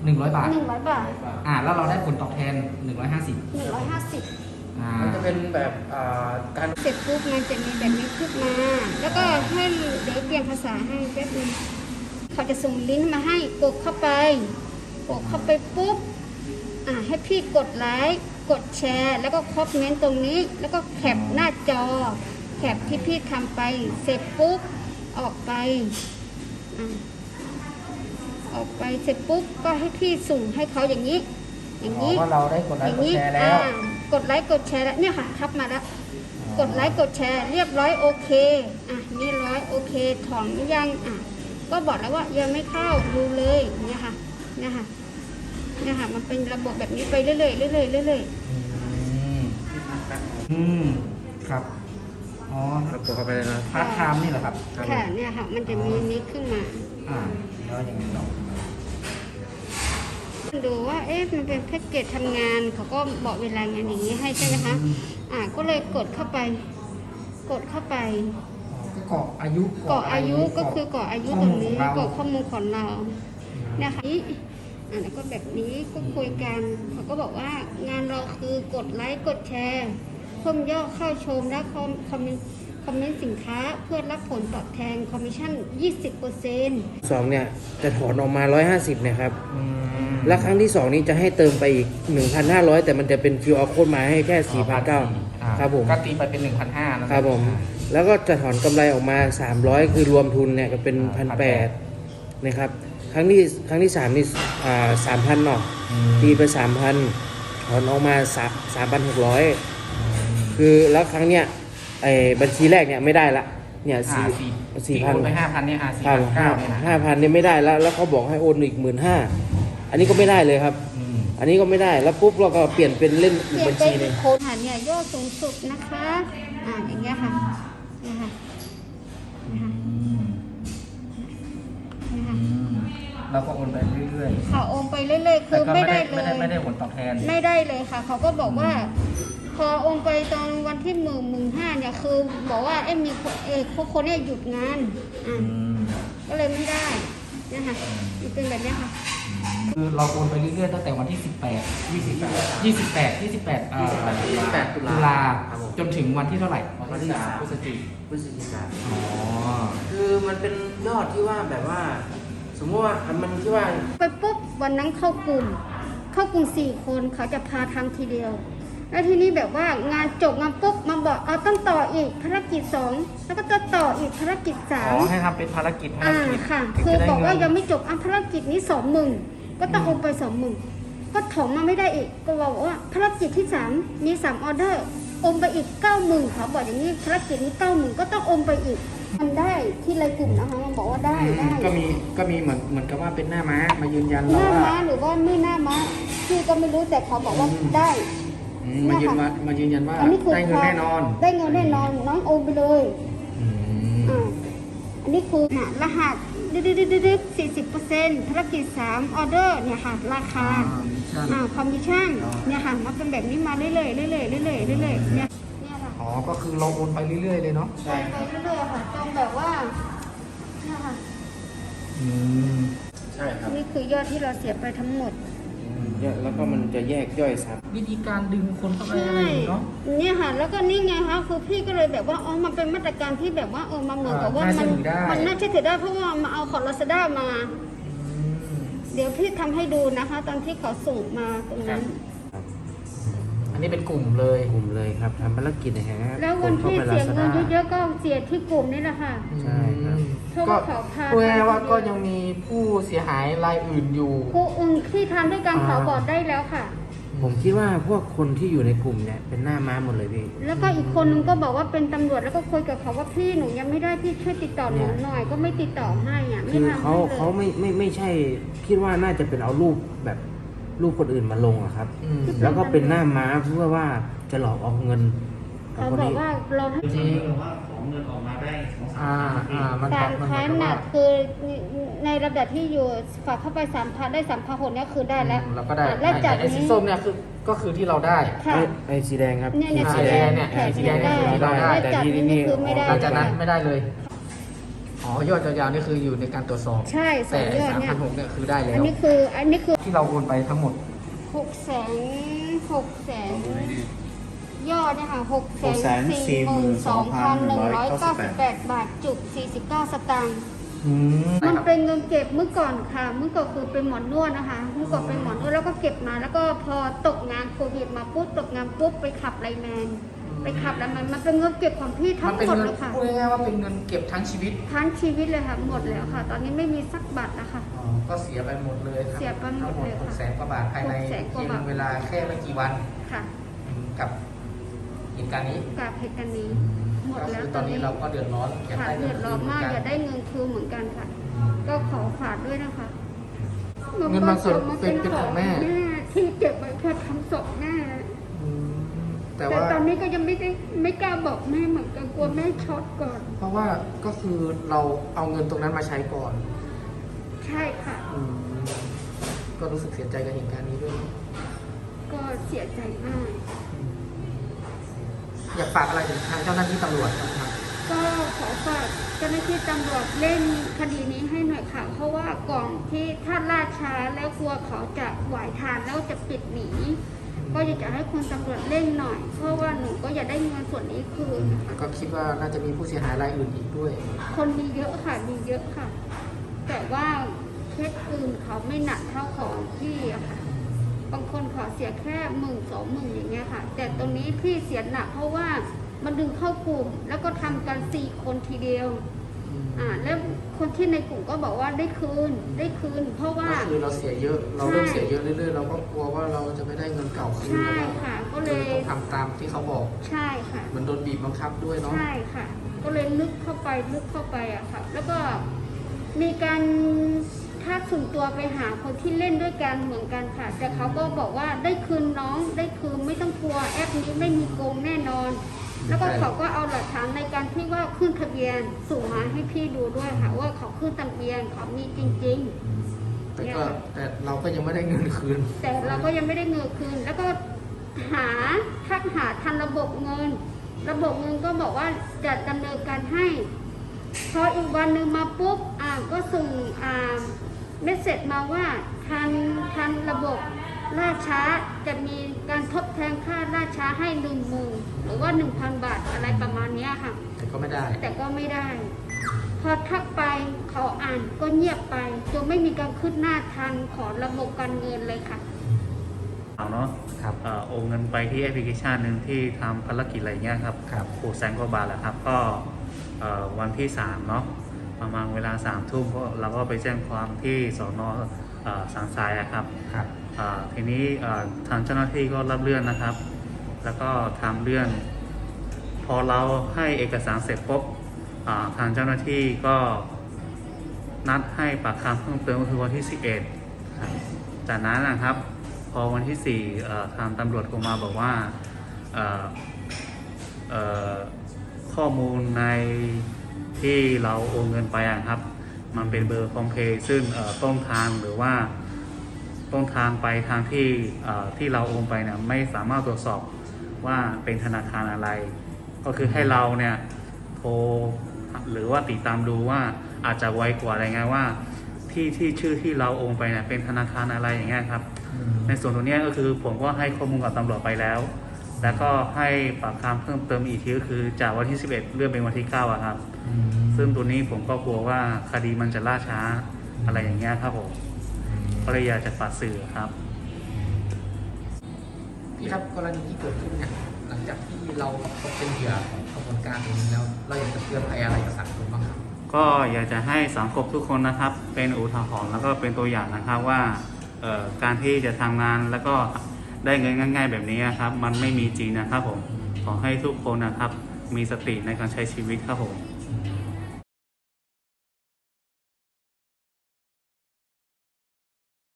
100 บาท 100 บาทแล้วเราได้ผลตอบแทน150 150 มันจะเป็นแบบการเสร็จปุ๊บมันจะมีแบบนี้ขึ้นมาแล้วก็ให้เดี๋ยวเปลี่ยนภาษาให้แป๊บนึงเขาจะส่งลิงก์มาให้กดเข้าไปปุ๊บให้พี่กดไลค์กดแชร์แล้วก็คอมเมนต์ตรงนี้แล้วก็แคปหน้าจอแคปที่พี่ทำไปเสร็จปุ๊บออกไปเสร็จปุ๊บก็ให้พี่ส่งให้เขาอย่างนี้ว่าเราได้กดไลค์กดแชร์แล้วกดไลค์กดแชร์แล้วเนี่ยค่ะทับมาแล้วกดไลค์กดแชร์เรียบร้อยโอเคนี่โอเคถอนยังก็บอกแล้วว่ายังไม่เข้าดูเลยเนี่ยค่ะมันเป็นระบบแบบนี้ไปเรื่อยครับอ๋อเรากดเข้าไปเลยนะพาร์ทไทม์นี่เหรอครับค่ะเนี่ยค่ะมันจะมีนี้ขึ้นมาแล้วยังไงต่อดูว่ามันเป็นแพ็กเกจทำงานเขาก็บอกเวลางานอย่างนี้ให้ใช่ไหมคะก็เลยกดเข้าไปก็กรอกอายุก็คือกรอกอายุตรงนี้กรอกข้อมูลของเรานะคะแล้วก็แบบนี้ก็คุยกันเขาก็บอกว่างานเราคือกดไลค์กดแชร์เพิ่มยอดเข้าชมและคอมเมนต์สินค้าเพื่อรับผลตอบแทนคอมมิชชั่น 20% 2เนี่ยจะถอนออกมา150เนี่ยครับแล้วครั้งที่2นี้จะให้เติมไปอีก 1,500 แต่มันจะเป็น QR code มาให้แค่ 4,900 ครับผมก็ตีไปเป็น 1,500 นะครับผมแล้วก็จะถอนกำไรออกมา300คือรวมทุนเนี่ยก็เป็น 1,800 นะครับครั้งที่3นี่3,000 เนาะตีไป 3,000 ถอนออกมา 3,600 คือแล้วครั้งเนี้ยบัญชีแรกเนี่ยไม่ได้ละเนี่ย4,000 ไป 5,000 เนี่ย4,900 เนี่ยนะ 5,000 เนี่ยไม่ได้แล้วเขาบอกให้โอนอีก 15,000 อันนี้ก็ไม่ได้เลยครับอันนี้ก็ไม่ได้แล้วปุ๊บเราก็เปลี่ยนเป็นเล่นอีกบัญชีนึงโค้ดเนี่ยยอดสูงสุดนะคะอย่างเงี้ยค่ะเราก็โอนไปเรื่อยๆค่ะโอนไปเรื่อยๆคือไม่ได้เลยไม่ได้ผลตอบแทนไม่ได้เลยค่ะเขาก็บอกว่าพอโอนไปตอนวันที่15,000เนี่ยคือบอกว่ามีคนเนี่ยหยุดงานก็เลยไม่ได้นะคะมันเป็นแบบนี้ค่ะคือเราโอนไปเรื่อยๆตั้งแต่วันที่28ตุลาจนถึงวันที่เท่าไหร่วันที่3พฤศจิกายนคือมันเป็นยอดที่ว่าแบบว่าสมมติว่ามันที่ว่าไปปุ๊บวันนั้นเข้ากลุ่ม4 คนเขาจะพาทำทีเดียวแล้วทีนี้แบบว่างานจบงานปุ๊บมาบอกต้องต่ออีกภารกิจ2แล้วก็จะต่ออีกภารกิจ3 ให้ทำเป็นภารกิจค่ะคือบอกว่ายังไม่จบภารกิจนี้20,000ก็ต้องโอนไป20,000ก็ถมมาไม่ได้อีกก็บอกว่าภารกิจที่3มี3ออเดอร์โอนไปอีก 90,000เขาบอกอย่างนี้ภารกิจนี้ 90,000ก็ต้องโอนไปอีกมันได้ที่รายกลุ่มนะคะมันบอกว่าได้ก็มีเหมือนกับว่าเป็นหน้าม้ามายืนยันหน้าม้าหรือว่าไม่หน้าม้าพี่ก็ไม่รู้แต่เขาบอกว่าได้มายืนยันว่าได้เงินแน่นอนน้องโอนไปเลยอันนี้คือรหัส40%ภารกิจ3ออเดอร์เนี่ยค่ะราคาคอมมิชชั่นเนี่ยค่ะมันเป็นแบบนี้มาเรื่อยเนี่ยก็คือเราโอนไปเรื่อยๆเลยเนาะใช่ไปเรื่อยๆค่ะจนแบบว่าเนี่ยค่ะใช่ครับนี่คือยอดที่เราเสียไปทั้งหมดแล้วก็มันจะแยกย่อยซับวิธีการดึงคนเข้าไปอะไรเนาะเนี่ยค่ะแล้วก็นี่ไงคะคือพี่ก็เลยแบบว่ามันเป็นมาตรการที่แบบว่ามาเหมือนกับว่ามันน่าเชื่อถือได้เพราะว่ามาเอาของ Lazada มาเดี๋ยวพี่ทำให้ดูนะคะตอนที่เขาส่งมาตรงนั้นอันนี้เป็นกลุ่มเลยครับทำภารกิจนะฮะแล้ววันที่เสียเงินเยอะๆก็เสียที่กลุ่มนี่แหละค่ะใช่ครับก็พูดง่ายๆว่าก็ยังมีผู้เสียหายรายอื่นอยู่ผู้อื่นที่ทำด้วยกันเขาบอกได้แล้วค่ะผมคิดว่าพวกคนที่อยู่ในกลุ่มเนี่ยเป็นหน้าม้าหมดเลยพี่แล้วก็อีกคนนึงก็บอกว่าเป็นตำรวจแล้วก็คุยกับเขาว่าพี่หนูยังไม่ได้พี่ช่วยติดต่อหนูหน่อยก็ไม่ติดต่อให้ไม่ทำให้เลยเขาไม่ใช่คิดว่าน่าจะเป็นเอารูปแบบรูปคนอื่นมาลงอะครับแล้วก็เป็นหน้าม้าเพื่อว่าจะหลอกเอาเงินเขาบอกว่าเราให้จริงของเงินออกมาได้การค้นน่ะคือในระดับที่อยู่ฝากเข้าไป 3,000 ได้ 3,600เนี่ยคือได้แล้วเราก็ได้และจากนี้สีส้มเนี่ยคือที่เราได้ไอ้สีแดงครับสีแดงเนี่ยที่เราได้แต่ที่นี่คือไม่ได้หลังจากนั้นไม่ได้เลยอ๋อยอดยาวๆนี่คืออยู่ในการตรวจสอบใช่สอแต่งยอดเนี่ย 3,600เนี่ยคือได้แล้อันวนี้คือที่เราโอนไปทั้งหมด 600,000ยอดเนี่ยค่ะ642,198 บาทจุก49 สตางค์ มันเป็นเงินเก็บเมื่อก่อนค่ะ เมื่อก่อนคือเป็นหมอนวดนะคะ เมื่อก่อนเป็นหมอนวดแล้วก็เก็บมา แล้วก็พอตกงานโควิดมาปุ๊บตกงานปุ๊บไปขับไลน์แมนมันเป็นเงินเก็บของพี่ทั้มันงเป็นหมดเงินเลยค่ะพูดง่ายๆว่าเป็นเงินเก็บทั้งชีวิตทั้งชีวิตเลยค่ะหมดแล้วค่ะ ตอนนี้ไม่มีสักบาทนะคะก็เสียไปหมดเลยครับเสียไปหมดเลยค่ะทั้งหมด600,000 กว่าบาทภายใน 600,000 กว่าเพียงบาทเวลาแค่ไม่กี่วันค่ะกับเหตุการณ์นี้กับเหตุการณ์นี้หมดก็แล้วคือตอนนี้เราก็เดือดร้อนอยากค่ะได้เดืเงิอน ดคืร้อนนเหมือมากนกันอยากได้เงินคืนเหมือนกันค่ะ ก็ขอฝากด้วยนะคะเงินบางส่วนเป็นของแม่ที่เก็บไว้เพื่อทำศพแม่แต่แต่ว่าตอนนี้ก็ยังไม่กล้าบอกแม่เหมือนกันกลัวแม่ช็อตก่อนเพราะว่าก็คือเราเอาเงินตรงนั้นมาใช้ก่อนใช่ค่ะก็รู้สึกเสียใจกับเหตุการณ์นี้ด้วยก็เสียใจมากอยากฝากอะไรถึงทางเจ้าหน้าที่ตำรวจบ้างครับก็ขอฝากเจ้าหน้าที่ตำรวจเล่นคดีนี้ให้หน่อยค่ะ เพราะว่าก่อนที่ถ้าล่าช้าแล้วกลัวเขาจะไหวทานแล้วจะปิดหนีก็อยากจะให้คุณตำรวจเร่งหน่อย เพราะว่าหนูก็อยากได้เงินส่วนนี้คืนนะคะก็คิดว่าน่าจะมีผู้เสียหายรายอื่นอีกด้วยคนมีเยอะค่ะมีเยอะค่ะ แต่ว่าเคสอื่นเขาไม่หนักเท่าของพี่อะค่ะ บางคนขอเสียแค่10,000-20,000อย่างเงี้ยค่ะ แต่ตรงนี้พี่เสียหนักเพราะว่ามันดึงเข้ากลุ่ม แล้วก็ทำกัน4 คนทีเดียวแล้วคนที่ในกลุ่มก็บอกว่าได้คืน เพราะว่าก็คือเราเสียเยอะ เราเริ่มเสียเยอะเรื่อยๆ เราก็กลัวว่าเราจะไม่ได้เงินเก่าคืนใช่แล้วค่ะ ก็เลเลย ยต้องทำตามที่เขาบอกใช่ค่ะมันโดนบีบบังคับด้วยเนาะใช่ค่ะ ก็เลยลึกเข้าไปอะค่ะ แล้วก็มีการทักส่วนตัวไปหาคนที่เล่นด้วยกันเหมือนกันค่ะ แต่เขาก็บอกว่าได้คืนน้องได้คืนไม่ต้องกลัวแอปนี้ไม่มีโกงแน่นอน แล้วก็เขาก็เอาหลักฐานในการที่ว่าขึ้นทะเบียนส่งมาให้พี่ดูด้วยค่ะ ว่าเขาขึ้นทะเบียนเขามีจริงแต่เราก็ยังไม่ได้เงินคืนๆ แต่เราก็ยังไม่ได้เงินคืน แล้วก็ทักหาทันระบบเงินก็บอกว่าจะดำเนินการให้ พออีกวันหนึ่งมาปุ๊บก็ส่งเมสเซจมาว่าทันระบบล่าช้าจะมีการทดแทนค่าล่าช้าให้10,000หรือว่า 1,000 บาทอะไรประมาณเนี้ยค่ะแต่ก็ไม่ได้แต่ก็ไม่ได้ พอทักไปเขาอ่านก็เงียบไปจนไม่มีการขึ้นหน้าทันของระบบการเงินเลยค่ะเอาเนาะครับโอนเงินไปที่แอปพลิเคชันหนึ่งที่ทำภารกิจอะไรเงี้ยครับครับ 600,000 กว่าบาทแหละครับ ก็วันที่ 3 เนาะประมาณเวลา 3 ทุ่มก็เราก็ไปแจ้งความที่สน.สันทรายอะครับครับทีนี้ทางเจ้าหน้าที่ก็รับเรื่องนะครับ แล้วก็ทำเรื่อง พอเราให้เอกสารเสร็จปุ๊บทางเจ้าหน้าที่ก็นัดให้ปากคำเพิ่มเติมก็คือวันที่ 11ครับจากนั้นนะครับ พอวันที่ 4ทางตำรวจโทรมาบอกว่าข้อมูลในที่เราโอนเงินไปครับ มันเป็นเบอร์พร้อมเพย์ซึ่งต้นทางหรือว่าต้นทางไปทางที่เราโอนไปเนี่ยไม่สามารถตรวจสอบว่าเป็นธนาคารอะไร ก็คือให้เราเนี่ยโทรหรือว่าติดตามดูว่าอาจจะไวกว่าอะไรเงี้ยว่าที่ชื่อที่เราโอนไปเนี่ยเป็นธนาคารอะไรอย่างเงี้ยครับ ในส่วนตรงนี้ก็คือผมก็ให้ข้อมูลกับตำรวจไปแล้ว แล้วก็ให้ปากคำเพิ่มเติมอีกทีก็คือจากวันที่ 11 เลื่อนเป็นวันที่9อะครับ ซึ่งตัวนี้ผมก็กลัวว่าคดีมันจะล่าช้าอะไรอย่างเงี้ยครับผมก็เลยอยากจะฝากสื่อครับพี่ครับกรณีที่เกิดขึ้นเนี่ยหลังจากที่เราตกเป็นเหยื่อของขบวนการตรงนี้แล้วเราอยากจะเตือนภัยอะไรกับสังคมบ้างครับก็อยากจะให้สังคมทุกคนนะครับ เป็นอุทาหรณ์แล้วก็เป็นตัวอย่างนะครับว่าการที่จะทำงานแล้วก็ได้เงินง่ายๆแบบนี้ครับมันไม่มีจริงนะครับผมขอให้ทุกคนนะครับมีสติในการใช้ชีวิตครับผม